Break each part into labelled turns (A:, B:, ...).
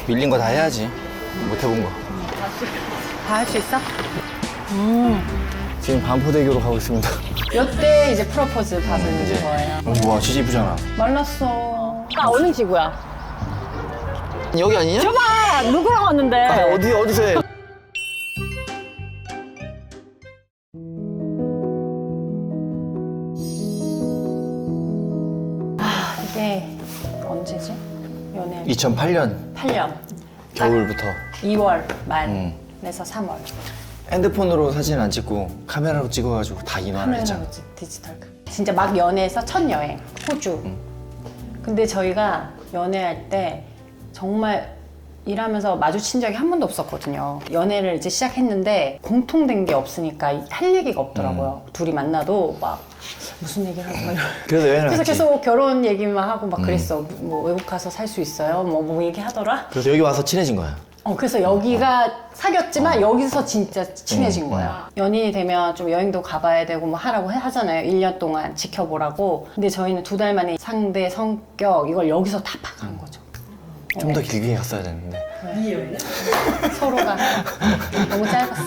A: 밀린 거 다 해야지. 못 해본 거.
B: 다 할 수 있어?
A: 지금 반포대교로 가고 있습니다.
B: 이때 이제 프로포즈 받은
A: 이제.
B: 거예요.
A: 와, 진짜 이쁘잖아.
B: 말랐어. 아, 어느 지구야?
A: 여기 아니냐?
B: 줘봐! 누구랑 왔는데?
A: 아, 어디서 해?
B: 이게 언제지? 연애
A: 2008년
B: 8년.
A: 겨울부터
B: 2월 말에서 3월.
A: 핸드폰으로 사진 안 찍고 카메라로 찍어가지고 다 인화를 했잖아.
B: 디지털. 진짜 막 연애해서 첫 여행, 호주. 근데 저희가 연애할 때 정말 일하면서 마주친 적이 한 번도 없었거든요. 연애를 이제 시작했는데 공통된 게 없으니까 할 얘기가 없더라고요. 둘이 만나도 막 무슨 얘기를 하고 막 이러고.
A: 그래서 여행을
B: 그래서
A: 갔지.
B: 계속 결혼 얘기만 하고 막 그랬어. 뭐 외국 가서 살 수 있어요? 뭐 얘기하더라?
A: 그래서 여기 와서 친해진 거야.
B: 그래서 여기가 사귀었지만 여기서 진짜 친해진 거야. 연인이 되면 좀 여행도 가봐야 되고 뭐 하라고 하잖아요. 1년 동안 지켜보라고. 근데 저희는 2달 만에 상대 성격 이걸 여기서 다 파악한 거죠.
A: 좀 더 길게 갔어야 되는데.
B: 서로가 너무 짧았어.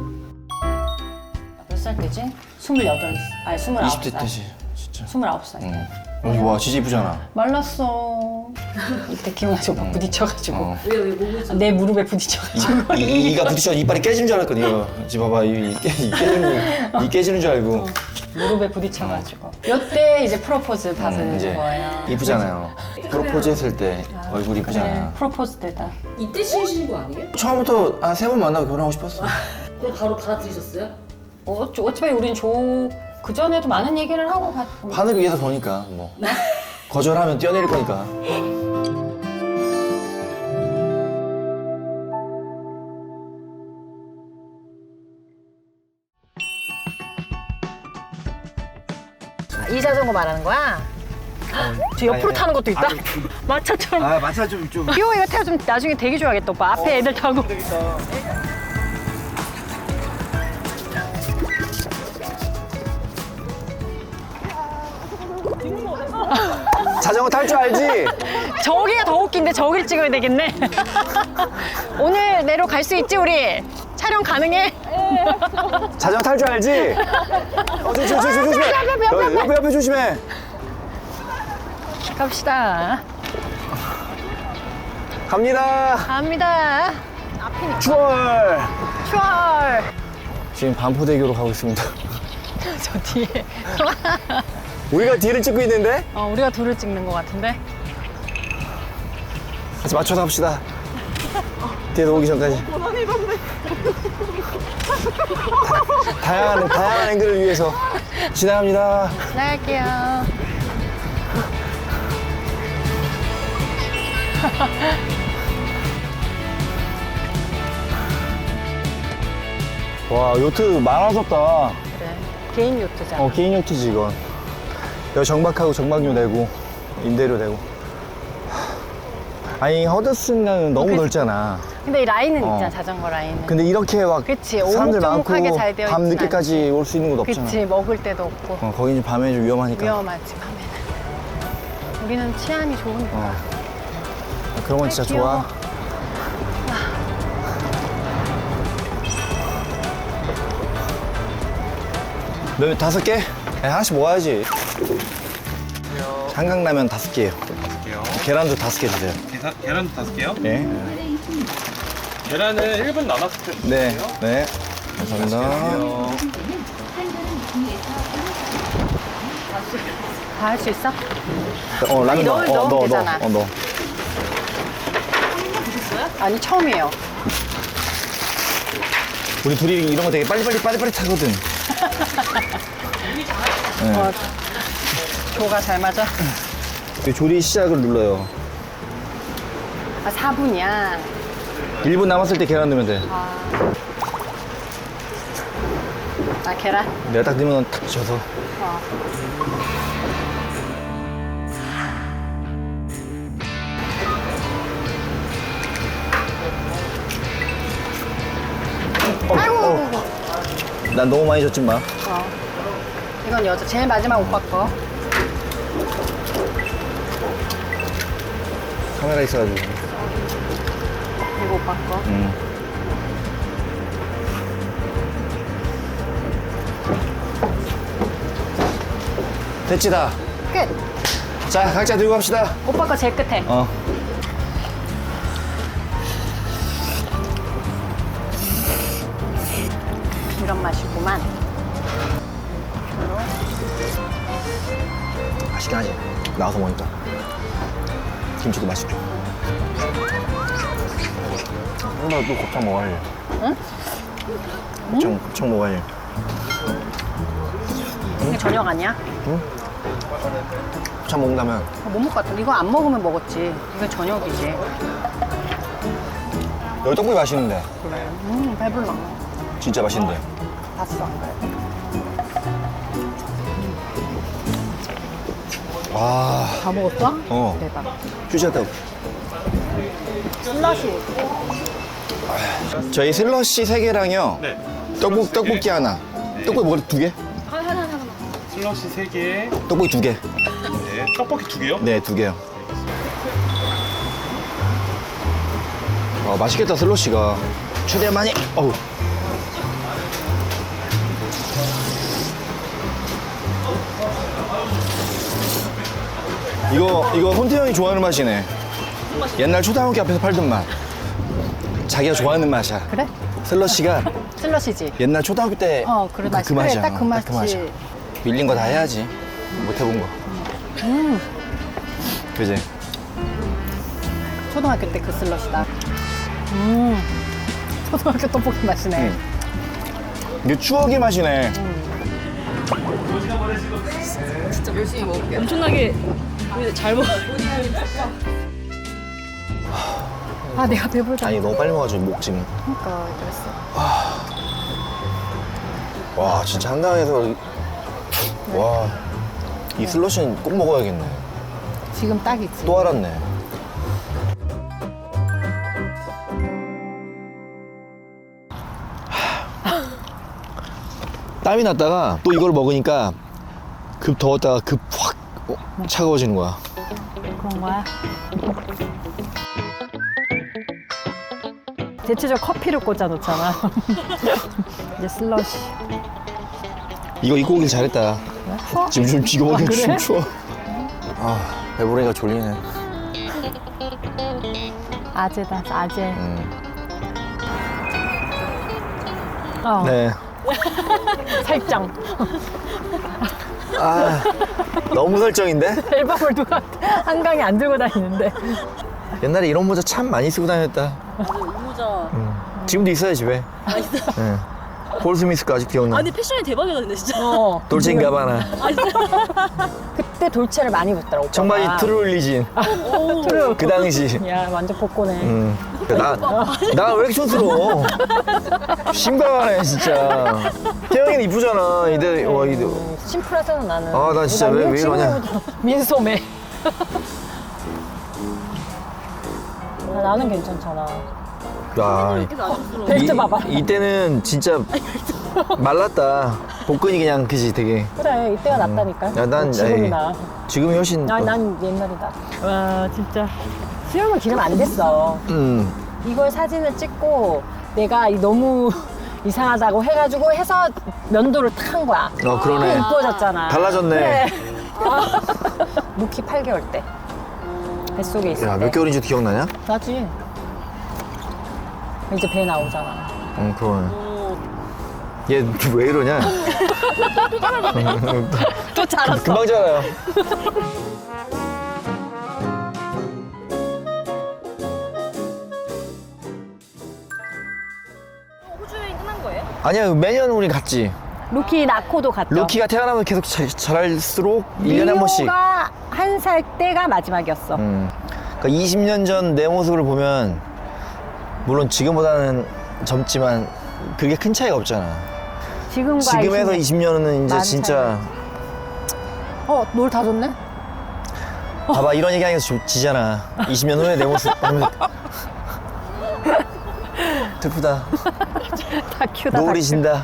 B: 몇 살 때지? 28, 아니 29살.
A: 20대 때지, 진짜.
B: 29살 때.
A: 여기 와, 진짜 이쁘잖아.
B: 말랐어. 이때 기억나죠? 막 부딪혀가지고.
A: 어.
B: 내 무릎에 부딪혀가지고.
A: 이가 부딪혀 이빨이 깨진 줄 알았거든. 이거 지금 봐봐, 이 깨지는 줄 알고.
B: 무릎에 부딪혀가지고. 이때 이제 프로포즈 받은
A: 이제
B: 거예요.
A: 이쁘잖아요. 프로포즈 했을 때 얼굴 이쁘잖아.
B: 그래, 프로포즈 때다.
C: 이때 신으신 거 아니에요?
A: 처음부터 한 3번 만나고 결혼하고 싶었어.
C: 그럼 바로 받아들이셨어요?
B: 어차피 우린 그 전에도 많은 얘기를 하고 갔고.
A: 하늘 위에서 보니까 뭐 거절하면 뛰어내릴 거니까.
B: 이 자전거 말하는 거야? 저 옆으로 타는 것도 있다? 마차처럼.
A: 아, 마차 좀.
B: 이거 태워 좀 나중에 되게 좋아하겠다 오빠. 앞에 애들 타고.
A: 자전거 탈 줄 알지?
B: 저기가 더 웃긴데 저길 찍어야 되겠네. 오늘 내로 갈 수 있지 우리? 촬영 가능해?
A: 자전거 탈 줄 알지? 조심해. 옆에 조심해.
B: 갑시다.
A: 갑니다.
B: 갑니다.
A: 추월.
B: 추월.
A: 지금 반포대교로 가고 있습니다.
B: 저 뒤에.
A: 우리가 뒤를 찍고 있는데?
B: 우리가 둘을 찍는 것 같은데?
A: 같이 맞춰서 합시다. 뒤에서 오기 전까지. 다양한 앵글을 위해서 지나갑니다.
B: 나갈게요.
A: 와, 요트 많아졌다.
B: 그래. 개인 요트잖아.
A: 개인 요트지 이건. 여기 정박하고 정박료 내고 임대료 내고. 아니, 허드슨강은 너무 넓잖아.
B: 근데 이 라인은 있잖아, 자전거 라인은.
A: 근데 이렇게 막
B: 그치,
A: 사람들 많고
B: 오목조목하게 잘 되어
A: 밤
B: 있진
A: 늦게까지 올 수 있는 곳 없잖아.
B: 그치, 먹을 데도 없고.
A: 거기는 밤에 좀 위험하니까.
B: 위험하지, 밤에는. 우리는 치안이 좋으니까.
A: 그런 건 진짜
B: 귀여워.
A: 좋아. 몇 5개? 하나씩 먹어야지. 한강라면 5개요. 계란도 5개 주세요.
D: 계란도 5개요?
A: 예.
D: 계란은 1분 남았을 때
A: 네.
D: 주세요.
A: 네. 감사합니다.
B: 다 할 수 있어?
A: 라면 넣어.
B: 넣으면 되잖아.
A: 넣어.
B: 아니, 처음이에요.
A: 우리 둘이 이런 거 되게 빨리빨리 하거든.
B: 조가 잘 맞아?
A: 이 조리 시작을 눌러요.
B: 4분이야.
A: 1분 남았을 때 계란 넣으면 돼.
B: 계란?
A: 내가 딱 넣으면 탁 져서.
B: 아이고.
A: 난 너무 많이 줬지 마.
B: 이건 제일 마지막 오빠 거.
A: 카메라 있어가지고.
B: 오빠 거.
A: 됐지 다.
B: 끝.
A: 자 각자 들고 갑시다.
B: 오빠 거 제일 끝에. 이런 맛이구만.
A: 맛있긴 하지. 나와서 먹으니까. 김치도 맛있죠. 나또 곱창 먹어야지.
B: 응?
A: 곱창 먹어야지.
B: 이게 저녁 아니야?
A: 곱창 먹는다면
B: 못 먹을 것 같아. 이거 안 먹으면 먹었지. 이건 저녁이지.
A: 여기 떡볶이 맛있는데.
B: 그래. 배불러.
A: 진짜 맛있는데.
B: 봤어.
A: 와.
B: 다 먹었어?
A: 어.
B: 대박.
A: 휴지한테.
B: 슬러시.
A: 저희 슬러시 3개랑요.
D: 네.
A: 떡볶이 하나. 떡볶이 뭐 2개?
D: 슬러시 3개.
A: 떡볶이 2개.
D: 네. 떡볶이 2개요?
A: 네, 2개요. 맛있겠다, 슬러시가. 최대한 많이. 어우. 이거 손태형이 좋아하는 맛이네. 옛날 초등학교 앞에서 팔던 맛. 자기가 좋아하는 맛이야.
B: 그래?
A: 슬러시가
B: 슬러시지.
A: 옛날 초등학교 때
B: 그래.
A: 그
B: 맛이.
A: 맛이야.
B: 그래, 딱 그 맛이지.
A: 밀린 거 다 해야지. 못 해본 거. 그지?
B: 초등학교 때 그 슬러시다. 초등학교 떡볶이 맛이네.
A: 이게 추억의 맛이네.
C: 진짜 열심히 먹을게요. 엄청나게 잘 먹어요.
B: 아, 내가 배불다.
A: 아니 너무 빨리 먹어가지고 목 지금.
B: 그러니까 그랬어.
A: 와 진짜 한강에서 와 이 슬러시는 꼭 먹어야겠네.
B: 지금 딱이지.
A: 또 알았네. 땀이 났다가 또 이걸 먹으니까 급 더웠다가 급 확 차가워지는 거야.
B: 그런 거야? 대체적으로 커피를 꽂아 놓잖아. 이제 슬러시.
A: 이거 입고 오길 잘했다.
B: 추워?
A: 지금 좀 먹기
B: 그래?
A: 좀 추워. 아 배부르니까 졸리네.
B: 아재다, 아재.
A: 네.
B: 살짝.
A: 아 너무 설정인데?
B: 앨범을 누가 한강에 안 들고 다니는데.
A: 옛날에 이런 모자 참 많이 쓰고 다녔다.
C: 모자.
A: 지금도 있어요 집에. 네. 폴 스미스 거 아직 기억나.
C: 아니 패션이 대박이다 근데 진짜.
A: 돌체인가바나.
B: 그때 돌체를 많이 입었더라, 오빠가.
A: 청바지 트루리진.
B: 트루.
A: 그 당시.
B: 야, 완전 복고네.
A: 나 왜 이렇게 촌스러워? 심각하네 친짜. 태영이는 이쁘잖아. 이대.
B: 심플하잖아, 나는.
A: 아, 나 진짜 왜 이러냐.
B: 민소매. 나는 괜찮잖아.
A: 야,
B: 벨트 봐봐.
A: 이때는 진짜 말랐다. 복근이 그냥 그지 되게.
B: 그래, 이때가 낫다니까.
A: 야, 난
B: 지금이
A: 에이,
B: 나.
A: 지금이 훨씬.
B: 난 옛날이다. 와, 진짜. 수영은 기름 안 됐어. 이걸 사진을 찍고 내가 너무 이상하다고 해가지고 해서 면도를 탁 한 거야.
A: 그러네.
B: 이뻐졌잖아.
A: 달라졌네.
B: 그래. 루키 8개월 때. 뱃속에 있을
A: 야,
B: 때.
A: 몇 개월인지도 기억나냐?
B: 나지. 이제 배 나오잖아.
A: 응, 그러네. 얘 왜 이러냐?
B: 또 자랐어.
A: 금방 자라요.
C: 호주 여행 끝난 거예요?
A: 아니야, 매년 우리 갔지.
B: 루키 낳고도 갔죠.
A: 루키가 태어나면 계속 자랄수록 1년에 한 번씩.
B: 리오가 1살 때가 마지막이었어.
A: 그러니까 20년 전 내 모습을 보면 물론 지금보다는 젊지만 그게 큰 차이가 없잖아.
B: 지금과
A: 지금에서 20년은 이제
B: 많은
A: 진짜
B: 노을 다 줬네?
A: 봐봐 이런 얘기하니까 지잖아. 20년 후에 내 모습 하면 슬프다.
B: 다큐다.
A: 노을이
B: 다큐.
A: 진다.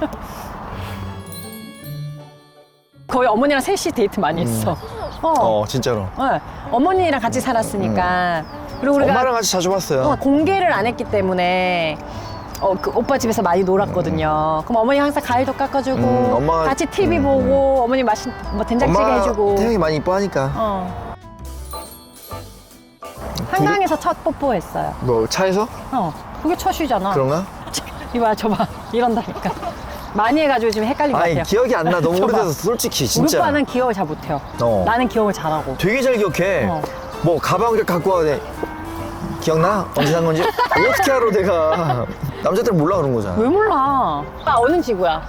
B: 거의 어머니랑 셋이 데이트 많이 했어.
A: 진짜로.
B: 네. 어머니랑 같이 살았으니까 그리고 우리가
A: 엄마랑 같이 자주 봤어요.
B: 공개를 안 했기 때문에 그 오빠 집에서 많이 놀았거든요. 그럼 어머니 항상 과일도 깎아주고
A: 엄마가-
B: 같이 TV 보고 어머니 뭐 된장찌개
A: 엄마
B: 해주고.
A: 태양이 많이 이뻐하니까.
B: 한강에서 첫 뽀뽀했어요.
A: 뭐 차에서?
B: 그게 첫이잖아.
A: 그런가?
B: 이봐 저봐 이런다니까. 많이 해가지고 지금 헷갈린 것
A: 아니
B: 같아요.
A: 기억이 안 나. 너무
B: 저봐.
A: 오래돼서 솔직히
B: 우리
A: 진짜.
B: 오빠는 기억을 잘 못해요. 나는 기억을 잘하고.
A: 되게 잘 기억해.
B: 어.
A: 뭐 가방을 갖고 와. 기억나? 언제 산 건지? 어떻게 알아 내가. 남자들은 몰라 그런 거잖아.
B: 왜 몰라? 오빠 어느 지구야?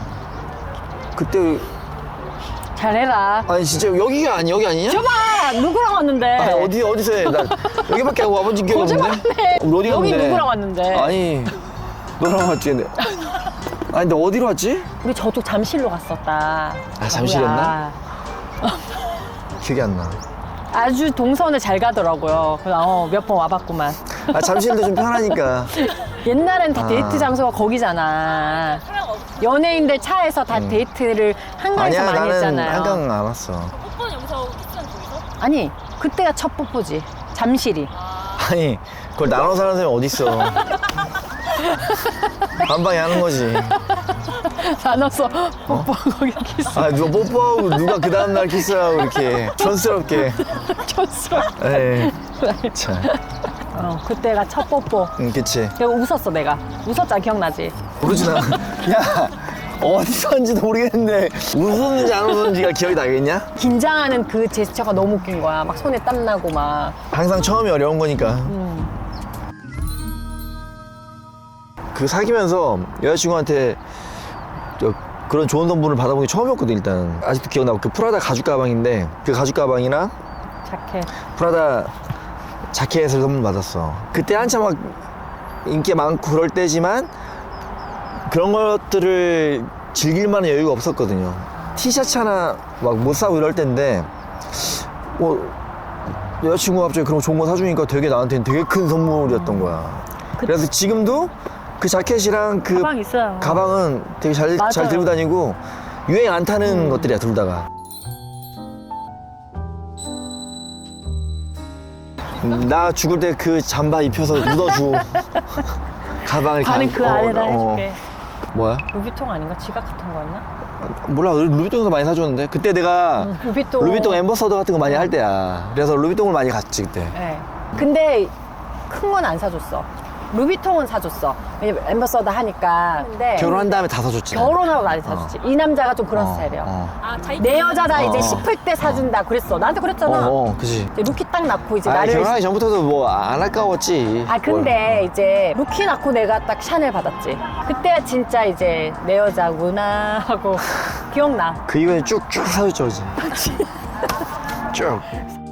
A: 그때
B: 잘해라.
A: 아니 진짜 여기가 여기 아니냐?
B: 저봐 누구랑 왔는데?
A: 아니 어디서 해? 나 여기밖에 와본 기억이 없는데.
B: 거짓말하네.
A: 우리 어디
B: 여기
A: 갔는데?
B: 누구랑 왔는데?
A: 아니 너랑 왔지 근데. 아니 근데 어디로 왔지?
B: 우리 저쪽 잠실로 갔었다.
A: 잠실이었나?
B: 바보야.
A: 기억이 안 나.
B: 아주 동선을 잘 가더라고요. 그래서 몇 번 와봤구만.
A: 잠실도 좀 편하니까.
B: 옛날엔 다 데이트 장소가 거기잖아. 연예인들 차에서 다 데이트를 한강에서
A: 아니야
B: 많이
A: 나는
B: 했잖아요.
A: 한강 안 왔어.
C: 뽀뽀는 여기서 키스는 저기서?
B: 아니 그때가 첫 뽀뽀지. 잠실이.
A: 아니 그걸 나눠서 하는 사람이 어딨어. 반방에 하는 거지.
B: 나눠서 뽀뽀 거기 키스.
A: 아 누가 뽀뽀하고 누가 그 다음날 키스하고 이렇게 촌스럽게.
B: 촌스럽게.
A: 에이 참.
B: 그때가 첫 뽀뽀.
A: 그치.
B: 내가 웃었어 내가. 웃었잖아 기억나지?
A: 모르지 나. 야 어디서 한지도 모르겠는데 웃었는지 안 웃었는지가 기억이 나겠냐?
B: 긴장하는 그 제스처가 너무 웃긴 거야. 막 손에 땀 나고 막.
A: 항상 처음이 어려운 거니까. 그 사귀면서 여자친구한테 그런 좋은 선물을 받아본 게 처음이었거든 일단. 아직도 기억나고 그 프라다 가죽 가방인데 그 가죽 가방이랑
B: 자켓.
A: 프라다 자켓을 선물 받았어. 그때 한참 막 인기 많고 그럴 때지만 그런 것들을 즐길 만한 여유가 없었거든요. 티셔츠 하나 막 못 사고 이럴 때인데 여자친구가 갑자기 그런 거 좋은 거 사주니까 되게 나한테는 되게 큰 선물이었던 거야. 그래서 지금도 그 자켓이랑 그
B: 가방 있어요.
A: 가방은 되게 잘
B: 맞아요.
A: 들고 다니고 유행 안 타는 것들이야 둘 다가. 나 죽을 때 그 잠바 입혀서 묻어주고 가방을
B: 반은 그 안에다 해줄게.
A: 뭐야?
B: 루비통 아닌가? 지갑 같은 거였나?
A: 몰라. 루비통에서 많이 사줬는데 그때 내가
B: 루비통.
A: 엠버서더 같은 거 많이 할 때야. 그래서 루비통을 많이 갔지 그때.
B: 네. 근데 큰 건 안 사줬어. 루비통은 사줬어. 왜냐면 엠버서더 하니까. 근데
A: 결혼한 다음에 다 사줬지.
B: 결혼하고 많이 사줬지. 이 남자가 좀 그런 스타일이야.
C: 아, 자기
B: 내 여자다 이제
A: 어.
B: 싶을 때 사준다 그랬어. 나한테 그랬잖아.
A: 그지.
B: 이제 루키 딱 낳고 이제
A: 아,
B: 나를.
A: 결혼하기 전부터도 뭐 안 아까웠지.
B: 근데 이제 루키 낳고 내가 딱 샤넬 받았지. 그때 진짜 이제 내 여자구나 하고 기억나.
A: 그 이후에 쭉쭉 사줬죠, 이제. 쭉.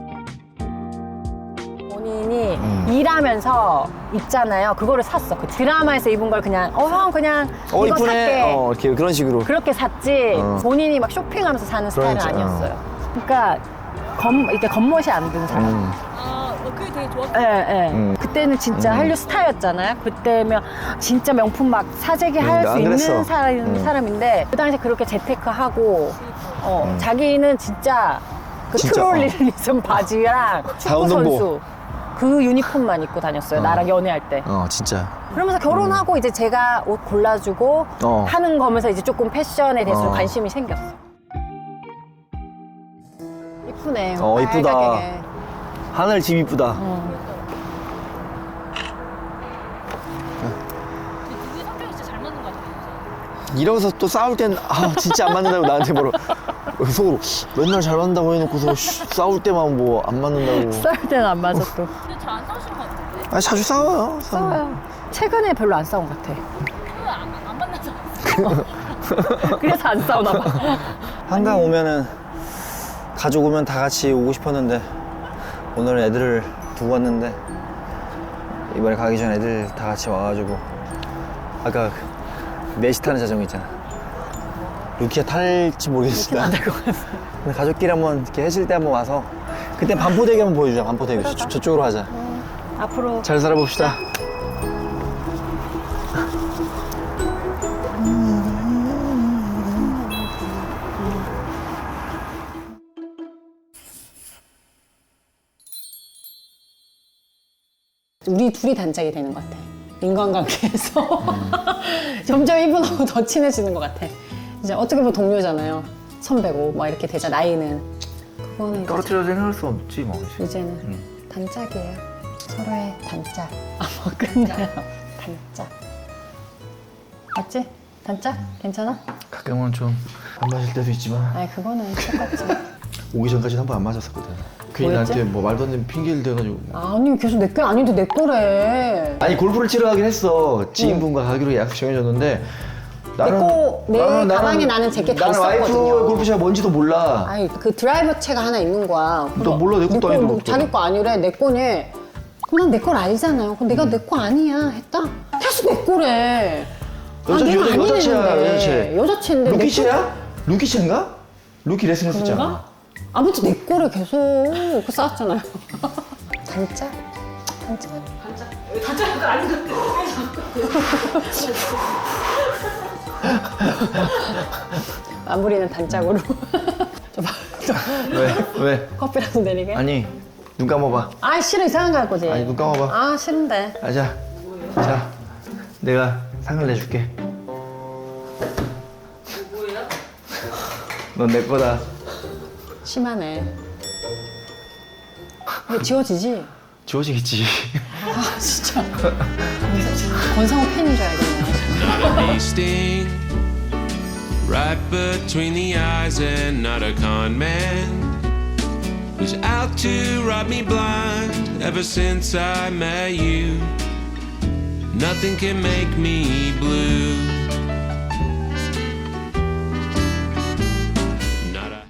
B: 본인이 일하면서 입잖아요. 그거를 샀어. 그 드라마에서 입은 걸 그냥 형 그냥 이거
A: 이쁘네.
B: 살게.
A: 이렇게 그런 식으로.
B: 그렇게 샀지 본인이 막 쇼핑하면서 사는 스타일은
A: 그렇지,
B: 아니었어요. 그러니까 이렇게 겉멋이 안 든 사람.
C: 아, 그게 되게 좋았어.
B: 예, 예. 그때는 진짜 한류 스타였잖아요. 그때면 진짜 명품 막 사재기 할 수
A: 안
B: 있는
A: 그랬어.
B: 사람인데 그 당시에 그렇게 재테크하고 자기는 진짜 그
A: 진짜,
B: 트롤리즘 바지랑 축구
A: 운동복.
B: 선수 그 유니폼만 입고 다녔어요. 나랑 연애할 때.
A: 진짜.
B: 그러면서 결혼하고 이제 제가 옷 골라주고 하는 거면서 이제 조금 패션에 대해서 좀 관심이 생겼어. 이쁘네.
A: 이쁘다.
B: 빨갛게.
A: 하늘 집 이쁘다.
C: 누구 성격이 진짜 잘 맞는 것 같아.
A: 이러면서 또 싸울 땐 진짜 안 맞는다고 나한테 속으로 맨날 잘 맞는다고 해놓고서 싸울 때만 뭐 안 맞는다고.
B: 싸울 때는 안 맞아 또.
C: 근데 잘 안 싸우시는 것 같은데?
A: 자주 싸워요.
B: 싸워요. 최근에 별로 안 싸운 것 같아.
C: 안 만나서.
B: 그래서 안 싸우나 봐.
A: 한강 오면은 가족 오면 다 같이 오고 싶었는데 오늘은 애들을 두고 왔는데 이번에 가기 전에 애들 다 같이 와가지고 아까 넷이 타는 자전거 있잖아. 루키가 탈지 모르겠어. 근데 가족끼리 한번 이렇게 해질 때 한번 와서 그때 반포대교 한번 보여주자. 반포대교 저쪽으로 하자.
B: 앞으로
A: 잘 살아봅시다.
B: 우리 둘이 단짝이 되는 것 같아. 인간관계에서 점점 이분하고 더 친해지는 것 같아. 이제 어떻게 보면 동료잖아요. 선배고 막 이렇게 되자 나이는. 그거는 이제
A: 떨어뜨려 생각할 수 없지 뭐.
B: 이제는 단짝이에요. 서로의 단짝. 뭐 끝나요. 단짝. 맞지? 단짝? 괜찮아?
A: 가끔은 좀 안 마실 때도 있지만
B: 아니 그거는 똑같지.
A: 오기 전까지는 한 번 안 마셨었거든. 괜히
B: 뭐였지?
A: 나한테 뭐 말도 안 되는 핑계를 대가지고.
B: 아니 계속 내 거 아닌데 내 거래.
A: 아니 골프를 치러 가긴 했어. 지인분과 가기로 약속 정해졌는데
B: 내 가방에 나는 제게 다
A: 나는 와이프
B: 있었거든요.
A: 골프채가 뭔지도 몰라.
B: 아니 그 드라이버 채가 하나 있는 거야.
A: 너 몰라, 내 것도 아닌데
B: 자기 거 아니래. 내 거니. 그럼 난 내 걸 알잖아요. 그럼 내가 내 거 아니야 했다. 계속 내 거래.
A: 여자채야.
B: 여자채인데
A: 루키채야? 루키채인가? 루키 레슨 했었잖아.
B: 그런가? 아무튼 내 거를 계속 그 싸웠잖아요. 단짝? 단짝?
C: 단짝가 아닌데.
B: 마무리는 단짝으로.
A: 왜?
B: 커피라도 내리게?
A: 아니 눈 감아봐.
B: 아 싫어 이상한 거 할 거지.
A: 아니 눈 감아봐.
B: 아 싫은데.
A: 자, 내가 상을 내줄게.
C: 뭐예요?
A: 넌 내 거다.
B: 심하네. 이거 지워지지?
A: 지워지겠지.
B: 아 진짜. 권상우 팬인 줄 알겠네.
E: Feasting right between the eyes and not a con man who's out to rob me blind ever since I met you. Nothing can make me blue.